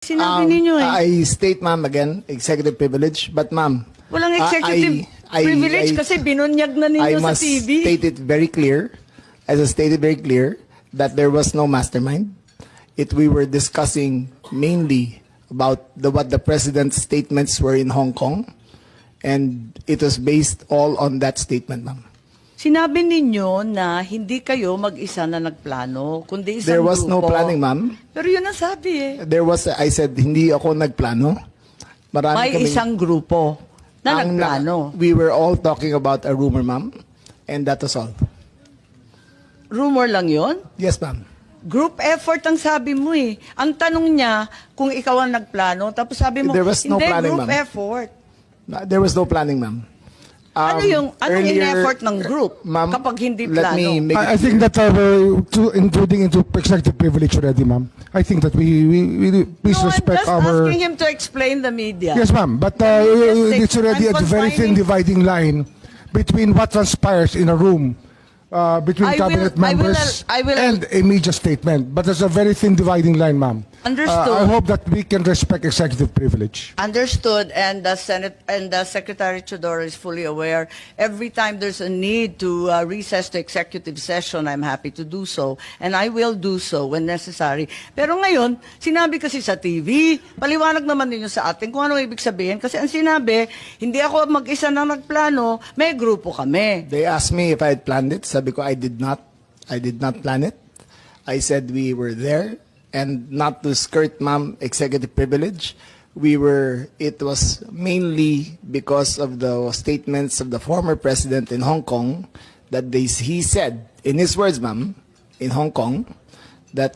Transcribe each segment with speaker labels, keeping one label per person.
Speaker 1: Sinabi ninyo eh.
Speaker 2: I state, ma'am, again, executive privilege. But, ma'am,
Speaker 1: Walang executive privilege kasi binunyag na
Speaker 2: I
Speaker 1: ninyo sa
Speaker 2: must
Speaker 1: TV.
Speaker 2: state it very clear, as I stated very clear, that there was no mastermind. We were discussing mainly about what the president's statements were in Hong Kong, and it was based all on that statement, ma'am.
Speaker 1: Sinabi ninyo na hindi kayo mag-isa na nagplano, kundi isang
Speaker 2: There was
Speaker 1: grupo.
Speaker 2: no planning, ma'am.
Speaker 1: Pero yun ang sabi eh.
Speaker 2: I said, hindi ako nagplano. Marami
Speaker 1: May
Speaker 2: kaming-
Speaker 1: isang grupo na
Speaker 2: Ang
Speaker 1: nagplano.
Speaker 2: We were all talking about a rumor, ma'am, and that was all.
Speaker 1: Rumor lang yon.
Speaker 2: Yes, ma'am.
Speaker 1: Group effort ang sabi mo eh. Ang tanong niya kung ikaw ang nagplano, tapos sabi mo,
Speaker 2: There was no
Speaker 1: hindi,
Speaker 2: planning,
Speaker 1: group
Speaker 2: ma'am.
Speaker 1: effort.
Speaker 2: There was no planning, ma'am.
Speaker 1: Anong
Speaker 2: Earlier,
Speaker 1: in-effort ng group
Speaker 2: ma'am,
Speaker 1: kapag hindi
Speaker 2: let
Speaker 1: plano?
Speaker 2: me make
Speaker 3: I think that we're intruding into executive privilege already, ma'am. I think that we please
Speaker 1: No,
Speaker 3: respect
Speaker 1: I'm just
Speaker 3: our.
Speaker 1: asking him to explain the media.
Speaker 3: Yes, ma'am. But it's already a very thin dividing line between what transpires in a room between cabinet members
Speaker 1: I will-
Speaker 3: and a media statement. But there's a very thin dividing line, ma'am.
Speaker 1: Understood.
Speaker 3: I hope that we can respect executive privilege.
Speaker 1: Understood, and the Senate and the Secretary Chodoro is fully aware. Every time there's a need to recess to executive session, I'm happy to do so, and I will do so when necessary. Pero ngayon, sinabi kasi sa TV, paliwanag naman ninyo sa atin kung ano ibig sabihin. Kasi ang sinabi, hindi ako mag-isa na nagplano, may grupo kami.
Speaker 2: They asked me if I had planned it. Sabi ko, I did not. I did not plan it. I said we were there, and not to skirt, ma'am, executive privilege. It was mainly because of the statements of the former president in Hong Kong that he said, in his words, ma'am, in Hong Kong, that,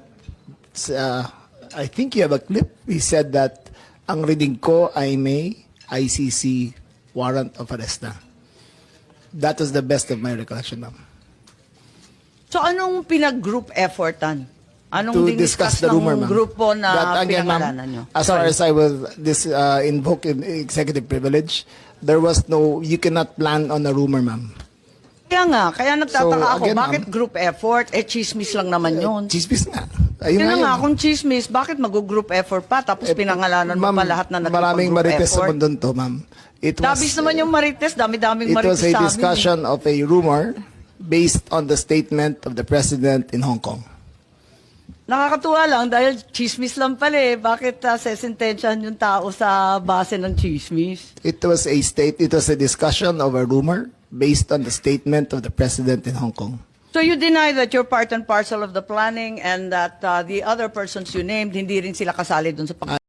Speaker 2: I think you have a clip, he said that, ang reading ko ay may ICC warrant of arrest na. That was the best of my recollection, ma'am.
Speaker 1: So anong pinag-group effortan? Anong
Speaker 2: To
Speaker 1: diniscuss
Speaker 2: discuss the rumor,
Speaker 1: ng
Speaker 2: ma'am.
Speaker 1: grupo na
Speaker 2: That, again, ma'am,
Speaker 1: pinangalanan nyo?
Speaker 2: as far as I will invoke in executive privilege, there was no, you cannot plan on a rumor, ma'am.
Speaker 1: Kaya nagtataka
Speaker 2: So,
Speaker 1: ako,
Speaker 2: again,
Speaker 1: bakit
Speaker 2: ma'am,
Speaker 1: group effort? Chismis lang naman yun.
Speaker 2: Chismis nga. Ayun
Speaker 1: Yun na nga,
Speaker 2: yun.
Speaker 1: kung chismis, bakit mag-group effort pa? Tapos pinangalanan mo
Speaker 2: Ma'am,
Speaker 1: pa lahat na
Speaker 2: maraming
Speaker 1: nagpag-group
Speaker 2: marites sa
Speaker 1: effort.
Speaker 2: mundo to, ma'am.
Speaker 1: Dabis naman yung marites, dami-daming
Speaker 2: It
Speaker 1: marites
Speaker 2: was a
Speaker 1: sa amin.
Speaker 2: discussion of a rumor based on the statement of the president in Hong Kong.
Speaker 1: Nakakatuwa lang dahil chismis lang pala eh. Bakit sesentensyahan yung tao sa base ng chismis?
Speaker 2: It was a discussion of a rumor based on the statement of the president in Hong Kong.
Speaker 1: So you deny that you're part and parcel of the planning and that the other persons you named, hindi rin sila kasali dun sa pag